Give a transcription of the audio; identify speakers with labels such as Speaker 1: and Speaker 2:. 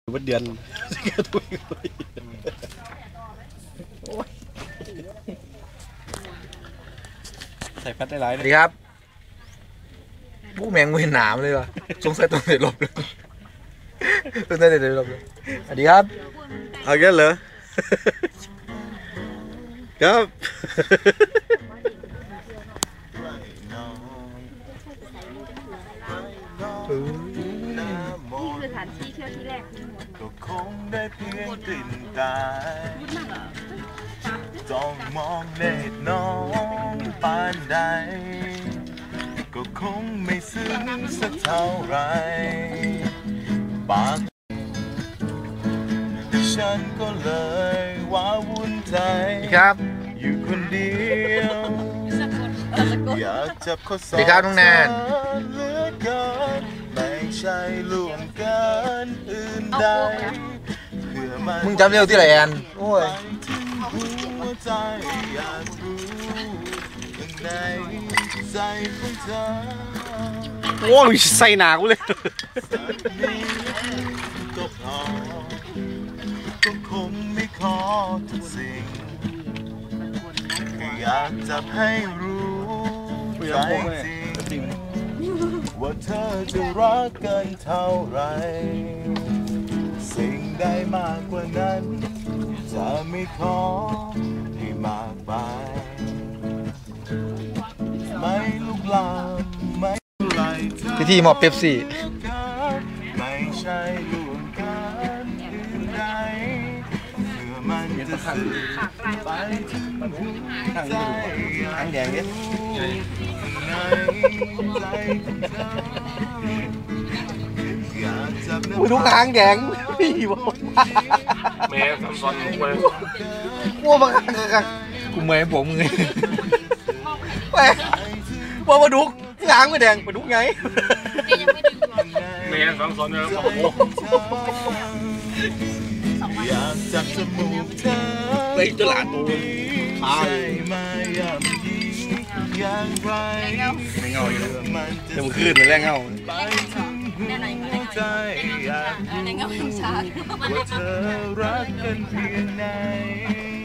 Speaker 1: วันเดือนใส่พัดได้หลาย
Speaker 2: สวัสดีครับผู้แมงมือหนามเลยวะสงสัยต้องเด็ดลบเลยต้องเด็ดลบเลยสวัสดีครับ
Speaker 1: เอาแค่เหรอครับ
Speaker 3: นี่คือสถานที่เที่ยวที่แรกก็คงได้เพียงกลิ่นกายจ้องมองเล็ดน้องปานใดก็คงไม่ซึ้งสักเท่าไรปากฉันก็เลยว้าวุ่นใจ
Speaker 2: ครับ
Speaker 3: อยู่คนเดียวอยากจับข้อศอก
Speaker 2: สวัสดีครับน้องแนน
Speaker 3: เหลือเกินไม่ใช่ล่วงเกินอื่นใดเพื่อมัน
Speaker 2: มึงจำเร็วที่ไหนแอนโอ้ย
Speaker 3: ถึงหัวใจอยากรู้ข้างในใจของเธอ
Speaker 1: โอ้ยใส่หนากูเลย
Speaker 3: ก็พอก็คงไม่ขอทุกสิ่งแค่อยากจะให้รู้ใจจริงว่าเธอจะรักกันเท่าไรสิ่งใดมากกว่านั้นจะไม่ขอให้มากไปไม่ลุกลามไม่ไล่เธอ
Speaker 2: พิธีมอบเป๊ปซี่
Speaker 3: ไม่ใช่ล่วงเกินอื่นใดเพื่อมันจะสื่อไปถึงหัวใจอยากรู้ในใจของเธออยากจับ
Speaker 2: อุ้ยทุกหางแดงพี่บอก
Speaker 1: แม่ทำซอนลงไป
Speaker 2: กลัวมาคักกูเมย์ผมไงแหมว่ามาดุกหางไม่แดงมาดุกไง
Speaker 1: แม่ทำซอนเนี่ยโอ้โห
Speaker 3: อยากจับจมูกเธอ
Speaker 1: ไปตลาดตัวพา
Speaker 3: ใช่มาย่ำยีอย่างไร
Speaker 1: ไม่เงาอยู่
Speaker 3: เพื่อมันจะ
Speaker 1: เดี๋ยวมันขึ้นมันแรงเงา
Speaker 3: ไปถึงหัวใจอยากรู้ว่าเธอรักกันเพียงไหน